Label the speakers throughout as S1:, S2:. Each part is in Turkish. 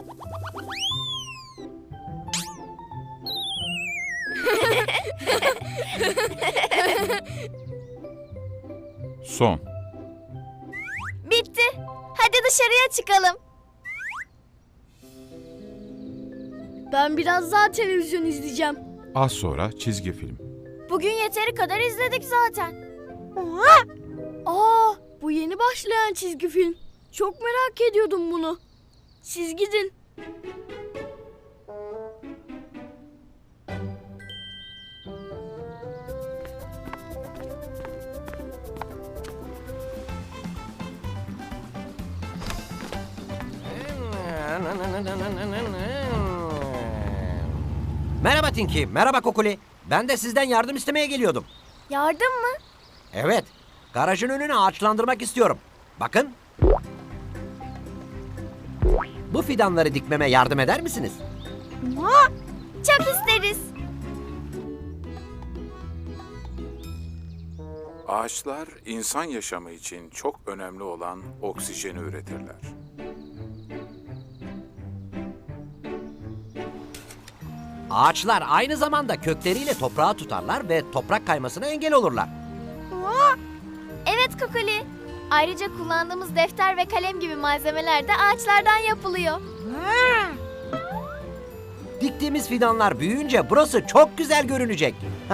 S1: Son.
S2: Bitti. Hadi dışarıya çıkalım.
S3: Ben biraz daha televizyon izleyeceğim.
S1: Az sonra çizgi film.
S2: Bugün yeteri kadar izledik zaten.
S3: Aa, bu yeni başlayan çizgi film. Çok merak ediyordum bunu. Siz gidin.
S4: Merhaba Tinky, merhaba Kukuli. Ben de sizden yardım istemeye geliyordum.
S2: Yardım mı?
S4: Evet, garajın önünü ağaçlandırmak istiyorum. Bakın. Bu fidanları dikmeme yardım eder misiniz?
S2: Çok isteriz.
S1: Ağaçlar insan yaşamı için çok önemli olan oksijeni üretirler.
S4: Ağaçlar aynı zamanda kökleriyle toprağı tutarlar ve toprak kaymasına engel olurlar.
S2: Evet Kukuli. Ayrıca kullandığımız defter ve kalem gibi malzemeler de ağaçlardan yapılıyor.
S4: Diktiğimiz fidanlar büyüyünce burası çok güzel görünecek.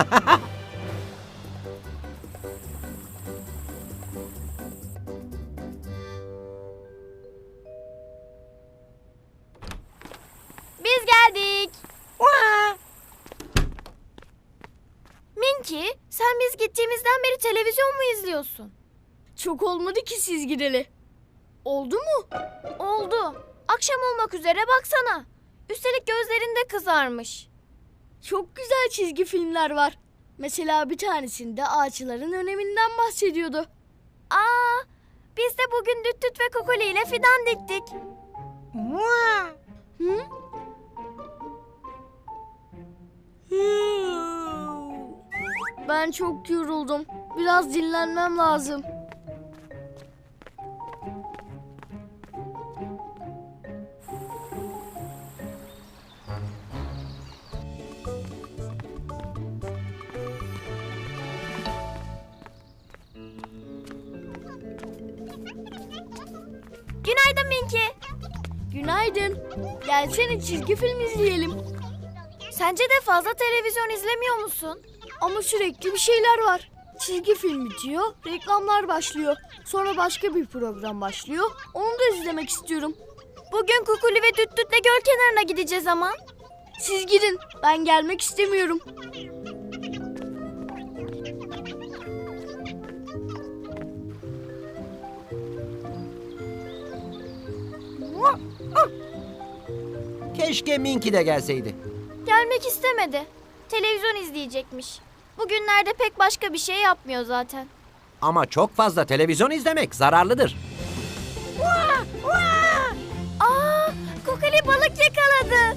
S2: Biz geldik. Minky, sen biz gittiğimizden beri televizyon mu izliyorsun?
S3: Çok olmadı ki siz gideli. Oldu mu?
S2: Oldu. Akşam olmak üzere baksana. Üstelik gözlerin de kızarmış.
S3: Çok güzel çizgi filmler var. Mesela bir tanesinde ağaçların öneminden bahsediyordu.
S2: Aa, biz de bugün Düt Düt ve Kukuli ile fidan diktik.
S3: Hı? Ben çok yoruldum. Biraz dinlenmem lazım.
S2: Günaydın Minky.
S3: Günaydın. Gelsene çizgi film izleyelim.
S2: Sence de fazla televizyon izlemiyor musun?
S3: Ama sürekli bir şeyler var. Çizgi film bitiyor, reklamlar başlıyor. Sonra başka bir program başlıyor. Onu da izlemek istiyorum.
S2: Bugün Kukuli ve Düt Düt'le göl kenarına gideceğiz ama.
S3: Siz gidin. Ben gelmek istemiyorum.
S4: Keşke Minky de gelseydi.
S2: Gelmek istemedi. Televizyon izleyecekmiş. Bugünlerde pek başka bir şey yapmıyor zaten.
S4: Ama çok fazla televizyon izlemek zararlıdır.
S2: Aa, Kukuli balık yakaladı.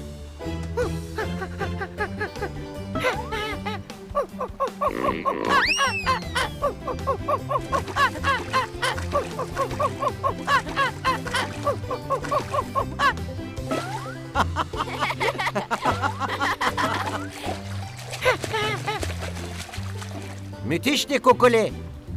S4: Müthişti Kukuli.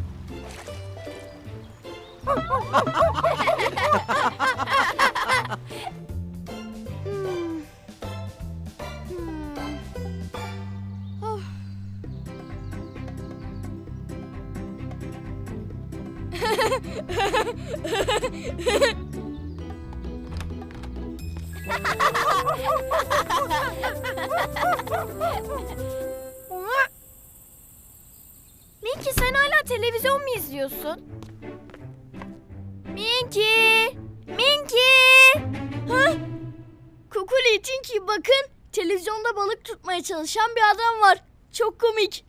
S2: Minky, sen hala televizyon mu izliyorsun? Minky! Minky!
S3: Ha? Kukuli, Tinky, bakın. Televizyonda balık tutmaya çalışan bir adam var. Çok komik.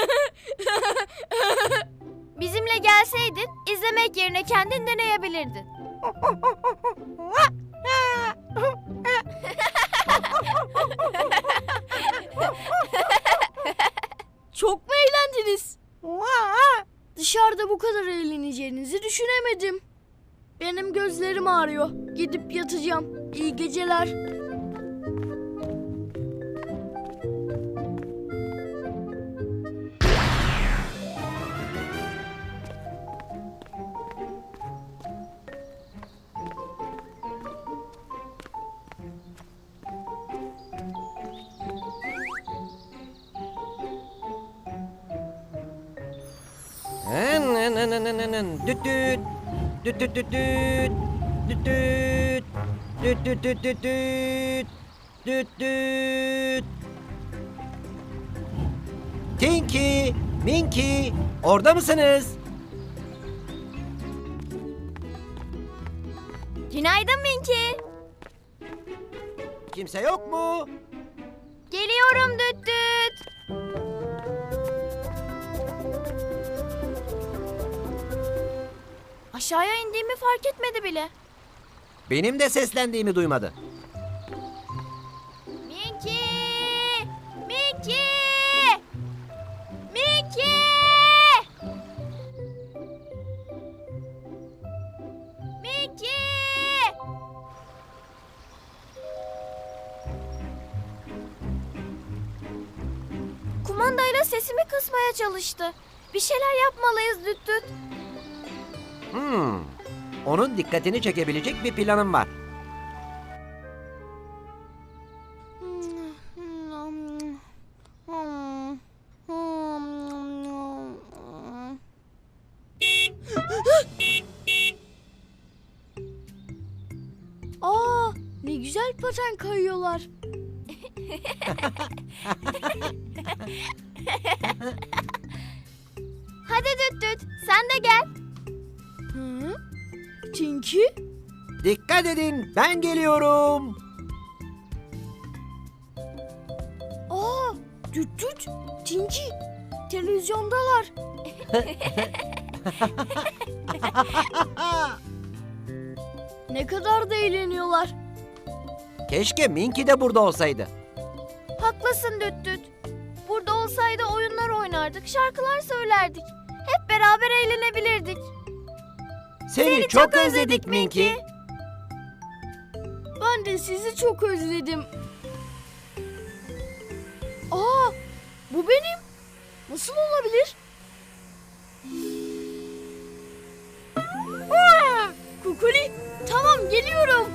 S2: Bizimle gelseydin izlemek yerine kendin deneyebilirdin.
S3: Çok mu eğlendiniz? Dışarıda bu kadar eğleneceğinizi düşünemedim. Benim gözlerim ağrıyor. Gidip yatacağım. İyi geceler.
S4: Düt düt. Düt düt düt düt. Düt düt. Düt düt düt düt düt. Düt düt. Tinky, Minky, orada mısınız?
S2: Günaydın Minki.
S4: Kimse yok mu?
S2: Geliyorum düt düt. Aşağıya indiğimi fark etmedi bile.
S4: Benim de seslendiğimi duymadı.
S2: Minki! Minki! Minki! Minki! Kumandayla sesimi kısmaya çalıştı. Bir şeyler yapmalıyız düt düt.
S4: Onun dikkatini çekebilecek bir planım var.
S3: Aa, ne güzel paten kayıyorlar.
S2: Hadi düt düt sen de gel.
S3: Hı? Tinky?
S4: Dikkat edin, ben geliyorum.
S3: Aa, düt düt, Tinky. Televizyondalar. Ne kadar da eğleniyorlar.
S4: Keşke Minky de burada olsaydı.
S2: Haklısın düt düt. Burada olsaydı oyunlar oynardık, şarkılar söylerdik. Hep beraber eğlenebilirdik.
S4: Seni çok özledik Minky.
S3: Ben de sizi çok özledim. Aa, bu benim. Nasıl olabilir? Aa, Kukuli, tamam geliyorum.